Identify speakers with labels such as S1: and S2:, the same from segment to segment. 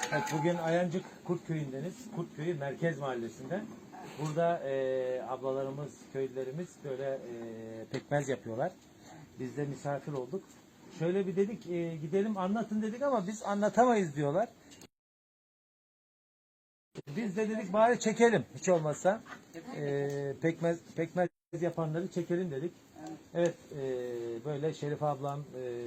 S1: Evet, bugün Ayancık Kurtköy'ündeniz. Kurtköy'ü Merkez Mahallesi'nde. Burada ablalarımız, köylülerimiz böyle pekmez yapıyorlar. Biz de misafir olduk. Şöyle bir dedik, gidelim anlatın dedik ama biz anlatamayız diyorlar. Biz de dedik bari çekelim hiç olmazsa. Pekmez yapanları çekelim dedik. Evet, böyle Şerif ablam,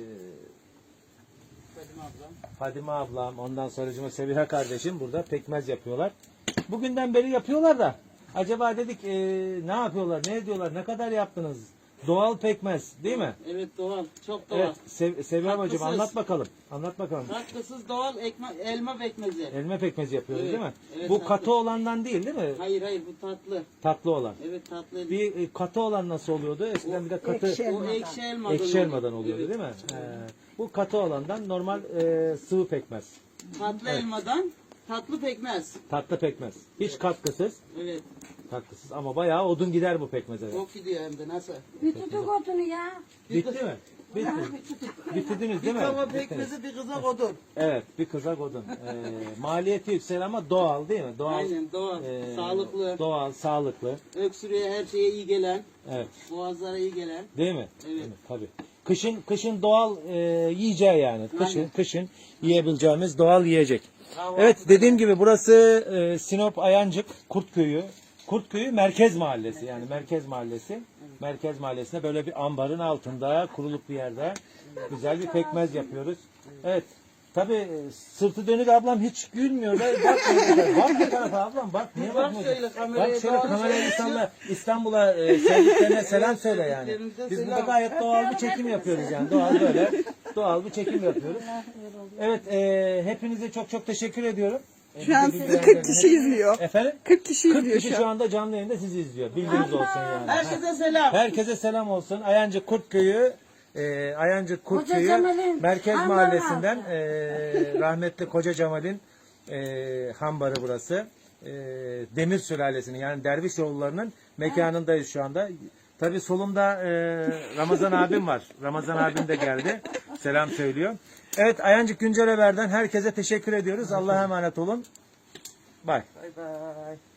S1: Fadime ablam, ondan sonracıma Sebiha kardeşim burada pekmez yapıyorlar. Bugünden beri yapıyorlar da acaba dedik ne yapıyorlar, ne ediyorlar, ne kadar yaptınız? Doğal pekmez değil mi?
S2: Evet doğal, çok doğal.
S1: Evet, Sebiha bacım
S2: Katkısız.
S1: anlat bakalım. Anlat bakalım.
S2: Katkısız doğal elma pekmezi.
S1: Elma pekmezi yapıyoruz
S2: Evet,
S1: değil mi?
S2: evet,
S1: Bu
S2: tatlı.
S1: katı olandan değil mi?
S2: Hayır bu tatlı.
S1: Tatlı olan.
S2: Evet tatlı.
S1: Bir katı olan nasıl oluyordu? Eskiden bir de katı
S2: O ekşi elmadan.
S1: ekşi elmadan
S2: oluyor.
S1: oluyordu
S2: Evet.
S1: değil mi? Bu katı olandan normal sıvı pekmez.
S2: Tatlı elmadan tatlı pekmez.
S1: Tatlı pekmez. Hiç katkısız.
S2: Evet.
S1: Katkısız ama bayağı odun gider bu pekmeze.
S2: Çok gidiyor hem de nasıl?
S3: Bir tutuk odunu ya.
S1: Bitti mi? Bitti. Bitirdiniz değil mi?
S2: Tava
S1: Bittiniz.
S2: pekmezi bir kızak odun.
S1: Evet, bir kızak odun. Maliyeti yüksek ama doğal değil mi? Doğal.
S2: Aynen doğal, sağlıklı.
S1: Doğal, sağlıklı.
S2: Öksürüğe her şeye iyi gelen.
S1: Evet.
S2: Boğazlara iyi gelen.
S1: Değil mi?
S2: Evet.
S1: Değil mi? Tabii. Kışın doğal yiyeceği yani. Kışın yiyebileceğimiz doğal yiyecek. Evet, dediğim gibi burası Sinop Ayancık Kurtköy'ü. Kurtköy'ü Merkez Mahallesi yani Merkez Mahallesi. Merkez Mahallesi'nde böyle bir ambarın altında kuruluk bir yerde güzel bir pekmez yapıyoruz. Evet. Tabii sırtı dönük ablam hiç gülmüyor. Bakmıyor. Bak bir tarafa ablam bak. Niye bakmıyorsun? Bak şöyle kamerayı İstanbul'a sevdiklerine selam söyle yani. Biz burada gayet doğal bir çekim yapıyoruz yani. Doğal böyle. Doğal bir çekim yapıyoruz. Evet, hepinize çok teşekkür ediyorum.
S4: Şu an sizi 40 kişi izliyor.
S1: Efendim?
S4: 40 kişi
S1: 40
S4: izliyor
S1: kişi şu anda canlı yayında sizi izliyor. Bilginiz olsun yani.
S2: Herkese selam.
S1: Herkese selam olsun. Ayancık Kurtköy'ü Ayancık Kurtköy'ü
S3: Koca Cemal'in
S1: Merkez
S3: hambarı
S1: Mahallesi'nden rahmetli Koca Cemal'in hambarı burası. Demir sülalesinin yani Dervişoğulları'nın mekanındayız şu anda. Tabii solumda Ramazan abim var. Ramazan abim de geldi. Selam söylüyor. Evet, Ayancık Güncel Haber'den herkese teşekkür ediyoruz. Allah'a emanet olun. Bye.
S2: Bay bay.